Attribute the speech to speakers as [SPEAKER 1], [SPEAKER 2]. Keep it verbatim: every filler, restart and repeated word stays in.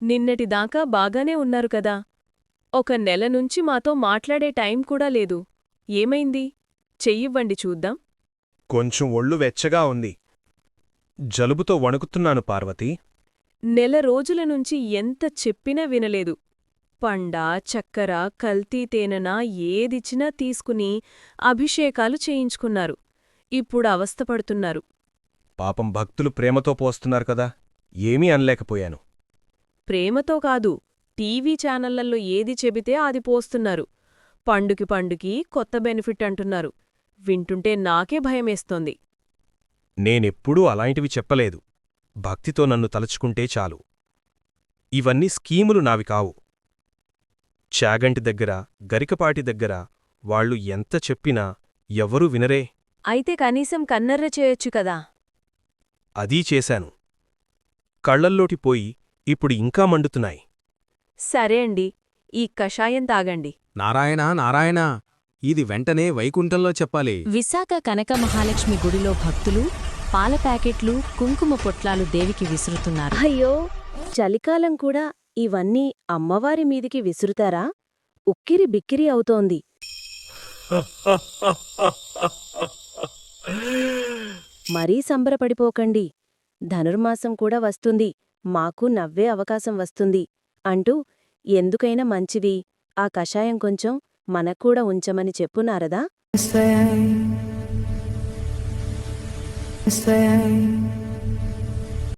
[SPEAKER 1] నిన్నటిదాకా బాగానే ఉన్నారు కదా. ఒక నెల నుంచి మాతో మాట్లాడే టైం కూడా లేదు. ఏమైంది? చెయ్యివ్వండి చూద్దాం.
[SPEAKER 2] కొంచెం ఒళ్ళు వెచ్చగా ఉంది. జలుబుతో వణుకుతున్నాను పార్వతీ.
[SPEAKER 1] నెల రోజుల నుంచి ఎంత చెప్పినా వినలేదు. పండా, చక్కెర, కల్తీ తేనెనా ఏదిచ్చినా తీసుకుని అభిషేకాలు చేయించుకున్నారు. ఇప్పుడు అవస్థపడుతున్నారు.
[SPEAKER 2] పాపం భక్తులు ప్రేమతో పోస్తున్నారు కదా, ఏమీ అనలేకపోయాను.
[SPEAKER 1] ప్రేమతో కాదు, టీవీ ఛానళ్లల్లో ఏది చెబితే అది పోస్తున్నారు. పండుకి పండుకి కొత్త బెనిఫిట్ అంటున్నారు. వింటుంటే నాకే భయమేస్తోంది.
[SPEAKER 2] నేనెప్పుడూ అలాంటివి చెప్పలేదు. భక్తితో నన్ను తలుచుకుంటే చాలు. ఇవన్నీ స్కీములు నావి కావు. చాగంటి దగ్గర, గరికపాటి దగ్గర వాళ్లు ఎంత చెప్పినా ఎవ్వరూ వినరే.
[SPEAKER 1] అయితే కనీసం కన్నెర్ర చేయొచ్చు కదా.
[SPEAKER 2] అదీ చేశాను. కళ్లల్లోటి పోయి ఇప్పుడు ఇంకా మండుతున్నాయి.
[SPEAKER 1] సరే అండి, ఈ కషాయం తాగండి.
[SPEAKER 3] నారాయణ నారాయణ, ఇది వెంటనే వైకుంఠంలో చెప్పాలి.
[SPEAKER 4] విశాఖ కనక మహాలక్ష్మి గుడిలో భక్తులు పాల ప్యాకెట్లు, కుంకుమ పొట్లాలు దేవికి విసురుతున్నారు.
[SPEAKER 5] అయ్యో, చలికాలం కూడా ఇవన్నీ అమ్మవారి మీదికి విసురుతారా? ఉక్కిరి బిక్కిరి అవుతోంది. మరీ సంబరపడిపోకండి. ధనుర్మాసం కూడా వస్తుంది, మాకు నవ్వే అవకాశం వస్తుంది అంటూ ఎందుకైనా మంచివి ఆ కషాయం కొంచెం మనక్కూడా ఉంచమని చెప్పు నారదా.